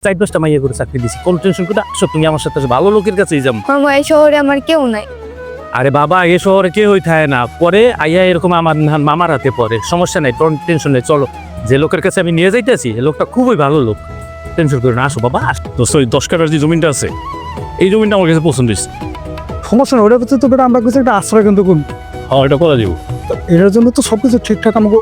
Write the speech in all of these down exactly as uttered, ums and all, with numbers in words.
চার দশটা মাইয়া করে চাকরি দিছি, কোন টেনশন করে আসো তুমি আমার সাথে, ভালো লোকের কাছেই যাবো। মামা এই শহরে আমার কেউ নাই। আরে বাবা এ শহরে কে হই থাকে না, পরে আইয়া এরকম আমার মামার হাতে পড়ে, সমস্যা নাই, টেনশন নেই। চলো, যে লোকের কাছে আমি নিয়ে যাইতেছি এই লোকটা খুবই ভালো লোক, টেনশন করে না, আসো বাবা। দোস্ত ওই দশ কাটার যে জমিটা আছে এই জমিটা আমার কাছে পছন্দ হয়েছে। সমস্যা না, ওটার ভিতরে তো বেটা আমরা কিছু একটা আশ্রয় কিন্তু করি। হ্যাঁ এটা করা যাবো। এটার জন্য তো সবকিছু ঠিকঠাক আমাকে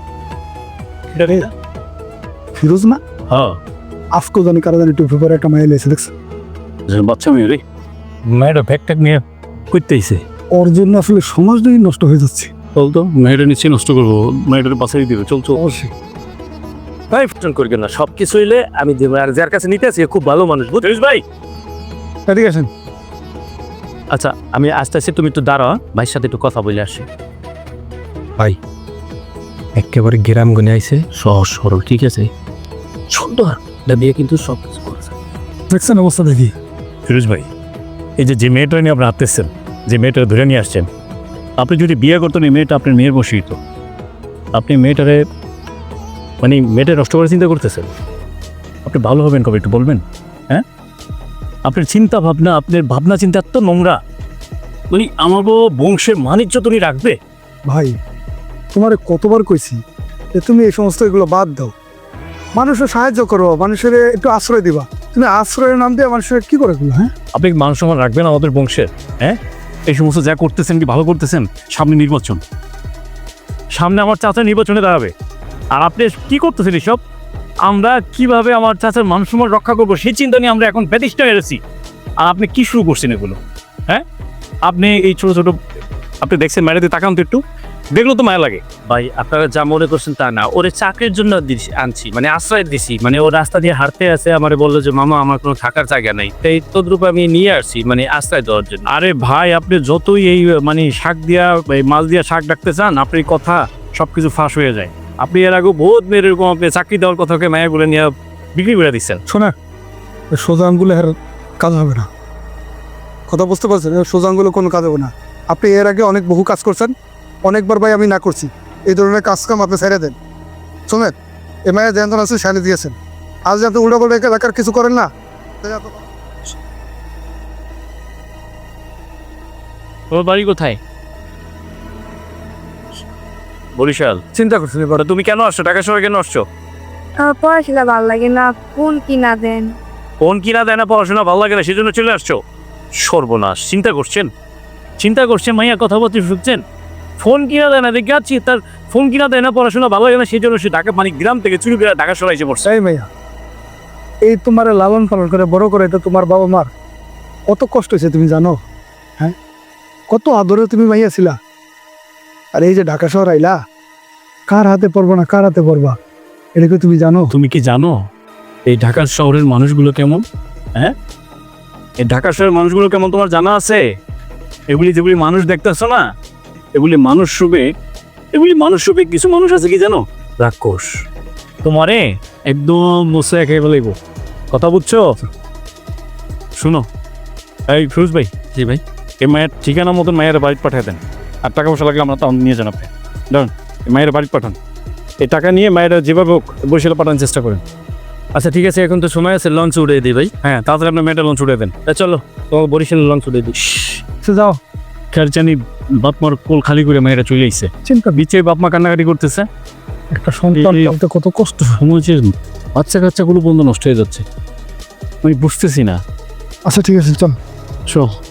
এটা রে ফিরোজ না হ্যাঁ আজকেও জানি কারা জানি টুপি পরে একটা মাইল এসে দেখছে। বাচ্চা মেয়ে রে মেয়েটা ব্যাগ ট্যাগ নিয়ে করতেইছে, ওর জন্য আসলে সমাজটাই নষ্ট হয়ে যাচ্ছে। চল তো, মেয়েটা নিশ্চয়ই নষ্ট করবো, মেয়েটাকে বাঁচাই দিবে। চল চল। অবশ্যই ভাই টেনশন করি না, সব কিছু হইলে আমি দেবো। আর যার কাছে নিতে আসি খুব ভালো মানুষ, বুঝছিস ভাই। ঠিক আছে আচ্ছা আমি আস্তে আস্তে, তুমি একটু দাঁড়াও, ভাইয়ের সাথে একটু কথা বলে আসি। ভাই একেবারে গ্রাম গনে আইছে, সহজ সরল, ঠিক আছে, সুন্দর বিয়ে, কিন্তু সব কিছু করেছে। দেখছেন অবস্থা দেখি। ফিরোজ ভাই, এই যে যে মেয়েটা নিয়ে আপনি আসতেছেন, যে মেয়েটা ধরে নিয়ে আসছেন, আপনি যদি বিয়ে করতেন এই মেয়েটা আপনার মেয়ের বসেই তো। আপনি মেয়েটারে মানে মেয়েটা নষ্ট করে চিন্তা করতেছেন। আপনি ভালো হবেন কবে একটু বলবেন? হ্যাঁ, আপনার চিন্তা ভাবনা, আপনার ভাবনা চিন্তা এত নোংরা, মানে আমারও বংশের মানিজ্য তুমি রাখবে? ভাই তোমারে কতবার কইছি যে তুমি এই সমস্ত এগুলো বাদ দাও, মানুষের সাহায্য করো, মানুষের একটু আশ্রয় দিবা। তুমি আশ্রয়ের নাম দিয়ে মানুষের কি করে এগুলো? হ্যাঁ, আপনি মান সম্মান রাখবেন আমাদের বংশের? হ্যাঁ, এই সমস্ত যা করতেছেন কি ভালো করতেছেন? সামনে নির্বাচন, সামনে আমার চাচা নির্বাচনে দাঁড়াবে, আর আপনি কি করতেছেন এসব? আমরা কিভাবে আমার চাচার মান সম্মান রক্ষা করবো সেই চিন্তা নিয়ে আমরা এখন ব্যতিষ্ঠ হয়ে গেছি, আর আপনি কি শুরু করছেন এগুলো? হ্যাঁ, আপনি এই ছোট ছোট, আপনি দেখছেন মায়েরাতে তাকান তো একটু, দেখলো তো মায়া লাগে। ভাই আপনারা যা মনে করছেন তা না, ওরে চাকরির জন্য দিছি, আনছি, মানে আশ্রয় দিছি, মানে ও রাস্তা দিয়ে হাঁটতে আছে, আমারে বললো যে মামা আমার কোনো থাকার জায়গা নাই, তাই তদ্রুপ আমি নিয়ে আসছি, মানে আশ্রয় দেওয়ার জন্য। আরে ভাই, আপনি যতই এই মানে শাক দিয়া এই মাছ দিয়া শাক ডাকতে চান, আপনার কথা সবকিছু ফাঁস হয়ে যায়। আপনি এর আগে বহুত মেয়ের এরকম আপনি চাকরি দেওয়ার কথাকে মায়াগুলো নিয়ে বিক্রি করে দিচ্ছেন। শোনা, সোজা আঙ্গুলে আর কাজ হবে না, কথা বুঝতে পারছেন? সোজা আঙ্গুলে কোনো কাজ হবে না। আপনি এর আগে অনেক বহু কাজ করছেন, অনেকবার ভাই আমি না করছি, এই ধরনের কাজ কাম আপনি ছেড়ে দেন। শোনেন, এ মায়ের যেন আছে সাইনে দিয়েছেন, আজ যাতে উল্টা পাল্টা এলাকার কিছু করেন না। তোমার বাড়ি কোথায়? বরিশাল। চিন্তা করছেন এবার তুমি কেন আসছো, ঢাকা শহরে কেন আসছো? আমার পড়াশোনা ভালো লাগে না, ফোন কিনা দেন। ফোন কিনা দেয় না, পড়াশোনা ভালো লাগে না, সেই জন্য চলে আসছো? সর্বনাশ, চিন্তা করছেন, চিন্তা করছেন মাইয়া, কথা বলতে শুনছেন? ফোন কিনা দেয় না দেখে আছি, তার ফোন কিনা দেয় না, পড়াশোনা ভালো লাগে না, সেই জন্য সে ঢাকা মানে গ্রাম থেকে চুরি করে ঢাকা শহরে এসে পড়ছে। এই মাইয়া, এই তোমার লালন পালন করে বড় করে, এটা তোমার বাবা মার কত কষ্ট হয়েছে তুমি জানো? হ্যাঁ, কত আদরে তুমি মাইয়া ছিলা, আর এই যে ঢাকা শহর আইলা, কার হাতে পড়বো না কার হাতে পড়বা, এটা কি তুমি জানো? তুমি কি জানো এই ঢাকা শহরের মানুষগুলো কেমন? হ্যাঁ, এই ঢাকা শহরের মানুষগুলো কেমন তোমার জানা আছে? এগুলি যেগুলি মানুষ দেখতেছো না, এগুলি মানুষ রূপে, এগুলি মানুষ রূপে কিছু মানুষ আছে কি জানো? রাক্ষস। তোমারে একদম মুছে একেবারে বলব, কথা বুঝছো? শুনো, এই ফিরোজ ভাই। জি ভাই। এই মায়ের ঠিকানা মতন মায়ের বাড়িতে পাঠিয়ে দেন, আর টাকা পয়সা লাগলে আমরা তো নিয়ে যান। আপনি ধরুন মায়ের বাড়িতে পাঠান, এই টাকা নিয়ে মায়েরা যেভাবে হোক বরিশালে পাঠানোর চেষ্টা করেন। আচ্ছা ঠিক আছে, এখন তো সময় আছে, লঞ্চ উড়িয়ে দিই ভাই। হ্যাঁ, তাড়াতাড়ি আপনার মেয়েটা লঞ্চ উঠে দেন। তা চলো তোমার বরিশালের লঞ্চ উড়িয়ে দিই। সে যাও, খেরচানি বাপ মার কোল খালি করে মেয়েরা চলে আইছে, চিন্তা বিচে বাপ মা কান্নাকাটি করতেছে। একটা সন্তান এই- পালতে কত কষ্ট। সমাজের বাচ্চা কাচ্চাগুলো বন্ধু নষ্ট হয়ে যাচ্ছে, আমি বুঝতেছি না। আচ্ছা ঠিক আছে, চল। চল।